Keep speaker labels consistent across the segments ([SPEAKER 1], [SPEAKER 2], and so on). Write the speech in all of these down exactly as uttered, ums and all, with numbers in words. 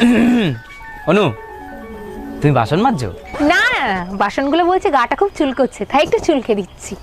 [SPEAKER 1] অনু, তুমি বাসন মাজছো?
[SPEAKER 2] না না না, বাসনগুলো বলছে গাটা খুব চুলকোচ্ছে, তাই একটু চুলকে দিচ্ছি।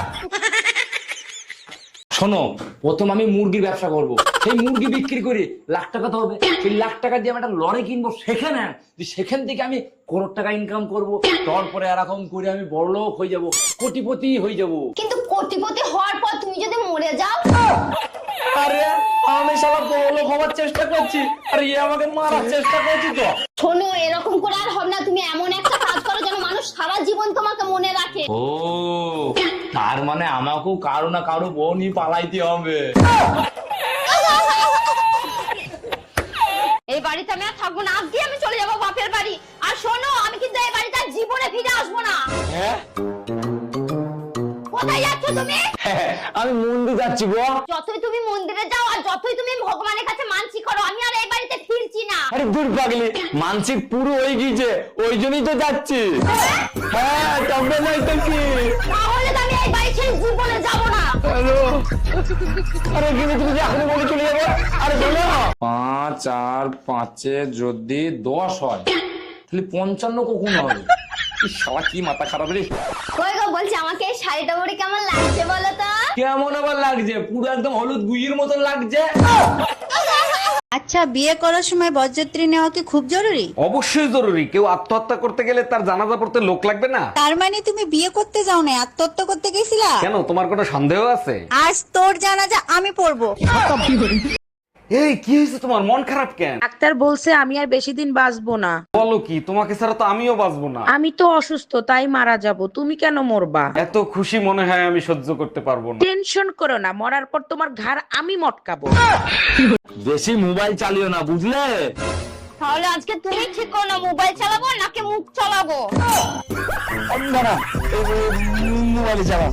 [SPEAKER 1] শোনো, প্রথম আমি মুরগির ব্যবসা করব। সেই মুরগি বিক্রি করে লাখ টাকা তো হবে। সেই লাখ টাকা দিয়ে আমি একটা লরি কিনবো, সেখানে যে সেখান থেকে আমি করোড় টাকা ইনকাম করব। তারপরে এরকম করে আমি বড় লোক হয়ে যাব, কোটিপতি হয়ে যাব।
[SPEAKER 3] কিন্তু কোটিপতি হওয়ার পর তুমি যদি মরে যাও?
[SPEAKER 1] আরে আমি শালা বড় লোক হওয়ার চেষ্টা করছি, আর এ আমাকে মারার চেষ্টা করছি তো।
[SPEAKER 3] শোনো, এরকম করে আর হবে না। তুমি এমন একটা কাজ করো যেন মানুষ সারা জীবন তোমাকে মনে রাখে।
[SPEAKER 1] ও, তার মানে আমাকেও কারো না কারো বউ নিয়ে পালাইতে হবে।
[SPEAKER 3] এই বাড়িতে আমি আর থাকবো না, আজকে আমি চলে যাবো বাপের বাড়ি। আর শোনো, আমি কিন্তু এই বাড়িতে আর জীবনে ফিরে আসবো না।
[SPEAKER 1] হ্যাঁ,
[SPEAKER 3] কোথায় যাচ্ছ তুমি?
[SPEAKER 1] আমি মন্দির যাচ্ছি গো।
[SPEAKER 3] যতই তুমি মন্দিরে যাও আর যতই তুমি ভগবানের কাছে মানসি করো, আমি আর এই বাড়িতে ফিরছি না।
[SPEAKER 1] আরে দূর পাগলি, মানসিক পুরো হয়ে গিয়েছে, ওই জন্যই তো যাচ্ছি। হ্যাঁ, তবে নাই তো কি।
[SPEAKER 3] তাহলে তো আমি এই বাড়ি ছেড়ে জীবনে যাবো না।
[SPEAKER 1] হ্যালো, আরে কিন্তু তুমি যে এখনই বলে চলে যাবে। আরে বলো, পাঁচ আর পাঁচে যদি দশ হয় তাহলে পঞ্চান্ন কখন হবে? এই শালা কি মাথা খারাপ রে।
[SPEAKER 3] কই গো, বলছি আমাকে এই শাড়িটা পরে কেমন লাগছে বলো তো?
[SPEAKER 1] কেমন আবার লাগছে? পুরো একদম হলুদ গুইয়ের মতন লাগছে।
[SPEAKER 4] আচ্ছা, বিয়ে করার সময় বরযাত্রী নেওয়া কি খুব জরুরি?
[SPEAKER 5] অবশ্যই জরুরি। কেউ আত্মহত্যা করতে গেলে তার জানাজা পড়তে লোক লাগবে না?
[SPEAKER 4] তার মানে তুমি বিয়ে করতে যাও না, আত্মহত্যা করতে গেছিলা?
[SPEAKER 5] কেন, তোমার কোনো সন্দেহ আছে?
[SPEAKER 4] আজ তোর জানাজা আমি পড়বো।
[SPEAKER 5] এই কি হয়েছে তোমার, মন খারাপ কেন?
[SPEAKER 6] ডাক্তার বলছে আমি আর বেশি দিন বাঁচবো না।
[SPEAKER 5] বলো কি, তোমাকে ছাড়া তো আমিও বাঁচবো না।
[SPEAKER 6] আমি তো অসুস্থ, তাই মারা যাব। তুমি কেন মরবা?
[SPEAKER 5] এত খুশি মনে হয় আমি সহ্য করতে পারবো না।
[SPEAKER 6] টেনশন করো না, মরার পর তোমার ঘাড় আমি মটকাবো।
[SPEAKER 1] বেশি মোবাইল চালিও না, বুঝলে?
[SPEAKER 3] তাহলে আজকে তুমি ঠিক করো না, মোবাইল চালাবো নাকি মুখ চালাবো?
[SPEAKER 1] মোবাইল চালা।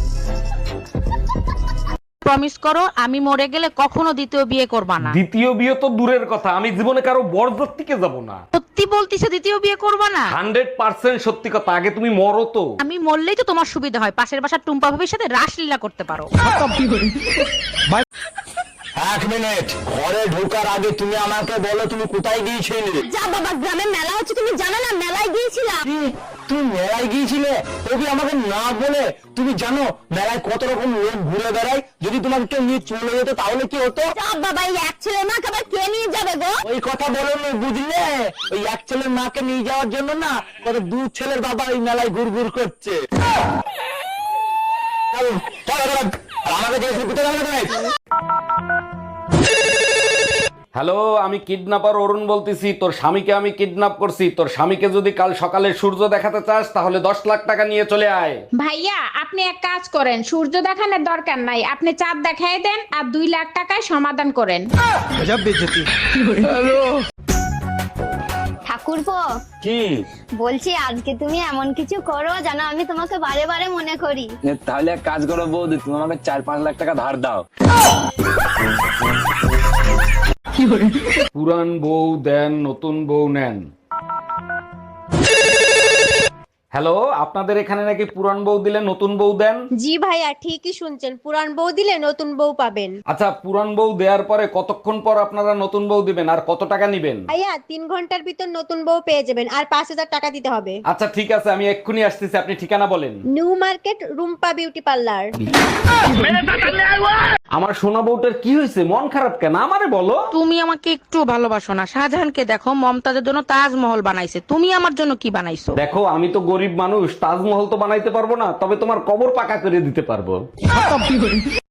[SPEAKER 6] প্রমিস করো আমি মরে গেলে কখনো দ্বিতীয় বিয়ে করবা না।
[SPEAKER 5] দ্বিতীয় বিয়ে তো দূরের কথা, আমি জীবনে কারো বরযাত্রীকে যাব না।
[SPEAKER 6] সত্যি বলতিছে দ্বিতীয় বিয়ে করবা না?
[SPEAKER 5] হান্ড্রেড পার্সেন্ট সত্যি কথা। আগে তুমি মরো তো।
[SPEAKER 6] আমি মরলেই তো তোমার সুবিধা হয়, পাশের বাসার টুম্পা ভাবির সাথে রাসলীলা করতে পারো।
[SPEAKER 1] এক মিনিট, ঘরে ঢোকার আগে তুমি আমাকে বলো তুমি কোথায় গিয়েছিলে?
[SPEAKER 3] যা বাবা, গ্রামে মেলা হচ্ছে, তুমি জানো না? মেলায় গিয়েছিলাম।
[SPEAKER 1] কি? তুমি মেলায় গিয়েছিলে? তুমি আমাকে না বলে, তুমি জানো মেলায় কত রকম লোক ঘুরে বেড়ায়? যদি তোমাকে কেউ নিয়ে চলে যেত তাহলে কি হতো?
[SPEAKER 3] যা বাবা, এই এক ছেলে মাকে আবার কে নিয়ে যাবে গো?
[SPEAKER 1] ওই কথা বলো না, বুঝলে? ওই এক ছেলের মাকে নিয়ে যাওয়ার জন্য না কত দু ছেলের বাবা ওই মেলায় ঘুর ঘুর করছে। চলো, চলো, চলো। আর আমাকে জিজ্ঞেস কোথায় যাবে তুমি?
[SPEAKER 5] হ্যালো, আমি কিডন্যাপার অরুণ বলতেছি। তোর স্বামীকে আমি কিডন্যাপ করছি। তোর স্বামীকে যদি কাল সকালে সূর্য দেখাতে চাস তাহলে দশ লাখ টাকা নিয়ে চলে আয়।
[SPEAKER 7] ভাইয়া আপনি এক কাজ করেন, সূর্য দেখানোর দরকার নাই, আপনি চাঁদ দেখাই দেন আর দুই লাখ টাকায় সমাধান করেন।
[SPEAKER 3] ঠাকুরপো,
[SPEAKER 1] কি
[SPEAKER 3] বলছি আজকে তুমি এমন কিছু করো যেন আমি তোমাকে বারে বারে মনে করি।
[SPEAKER 1] তাহলে এক কাজ করো বৌদি, তুমি আমাকে চার পাঁচ লাখ টাকা ধার দাও।
[SPEAKER 5] পুরান বউ দেন, নতুন বউ নেন। হ্যালো, আপনাদের এখানে নাকি পুরান বউ দিলে নতুন বউ দেন?
[SPEAKER 4] জি ভাইয়া, ঠিকই শুনছেন, পুরান বউ দিলে নতুন বউ পাবেন।
[SPEAKER 5] আচ্ছা, পুরান বউ দেওয়ার পরে কতক্ষণ পর আপনারা নতুন বউ দিবেন আর কত টাকা নিবেন?
[SPEAKER 4] ভাইয়া, তিন ঘন্টার ভিতর নতুন বউ পেয়ে যাবেন, আর পাঁচ হাজার টাকা দিতে হবে।
[SPEAKER 5] আচ্ছা ঠিক আছে, আমি এক্ষুনি আসতেছি, আপনি ঠিকানা বলেন।
[SPEAKER 4] New market, Rumpa beauty parlour.
[SPEAKER 5] আমার সোনা বউটার কি হয়েছে, মন খারাপ কেন আমারে বলো।
[SPEAKER 6] তুমি আমাকে একটু ভালোবাসো না? শাহজাহানকে দেখো, মমতাজের জন্য তাজমহল বানাইছে, তুমি আমার জন্য কি বানাইছো?
[SPEAKER 5] দেখো, আমি তো গরিব মানুষ, তাজমহল তো বানাইতে পারবো না, তবে তোমার কবর পাকা করে দিতে পারবো।